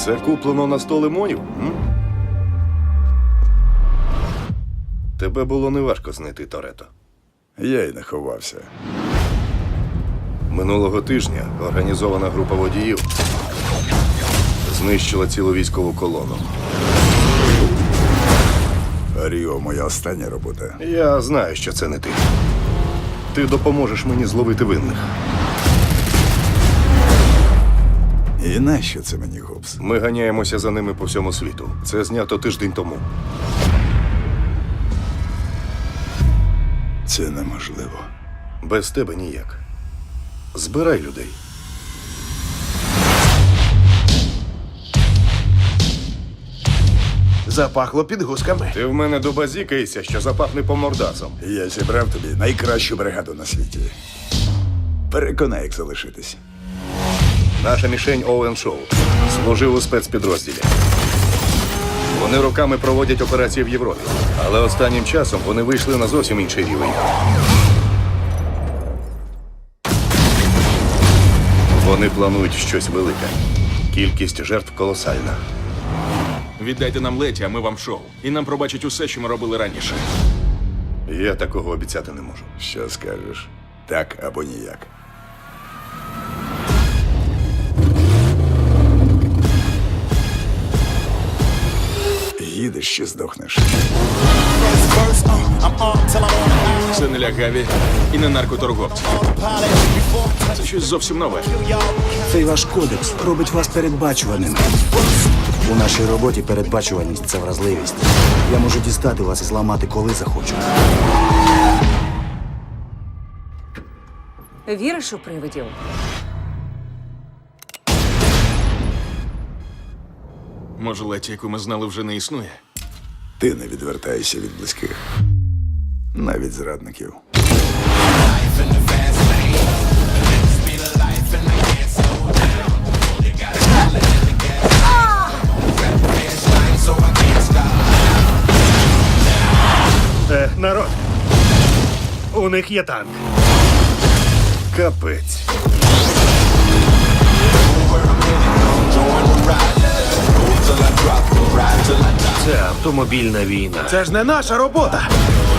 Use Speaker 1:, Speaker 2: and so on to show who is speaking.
Speaker 1: Все куплено на 100 лимонів? М? Тебе було неважко знайти Торетто.
Speaker 2: Я й не ховався.
Speaker 1: Минулого тижня організована група водіїв знищила цілу військову колону.
Speaker 2: Ріо, моя остання робота.
Speaker 1: Я знаю, що це не ти. Ти допоможеш мені зловити винних.
Speaker 2: І нащо це мені, Гобс?
Speaker 1: Ми ганяємося за ними по всьому світу. Це знято тиждень тому.
Speaker 2: Це неможливо.
Speaker 1: Без тебе ніяк. Збирай людей.
Speaker 3: Запахло підгузками.
Speaker 1: Ти в мене добазікаєшся, що запахне по мордасам.
Speaker 2: Я зібрав тобі найкращу бригаду на світі. Переконай, як залишитись.
Speaker 1: Наша мішень Оуен Шоу служив у спецпідрозділі. Вони роками проводять операції в Європі, але останнім часом вони вийшли на зовсім інший рівень. Вони планують щось велике. Кількість жертв колосальна.
Speaker 4: Віддайте нам Леті, а ми вам шоу. І нам пробачать усе, що ми робили раніше.
Speaker 1: Я такого обіцяти не можу.
Speaker 2: Що скажеш? Так або ніяк. Їдеш чи здохнеш?
Speaker 4: Це не лягаві і не наркоторговці. Це щось зовсім нове.
Speaker 5: Цей ваш кодекс робить вас передбачуваними. У нашій роботі передбачуваність – це вразливість. Я можу дістати вас і зламати, коли захочу.
Speaker 6: Віриш у привидів?
Speaker 4: Може, Леті, яку ми знали, вже не існує?
Speaker 2: Ти не відвертаєшся від близьких. Навіть зрадників.
Speaker 3: Народ, у них є танк.
Speaker 1: Капець.
Speaker 3: Це автомобільна війна. Це ж не наша робота.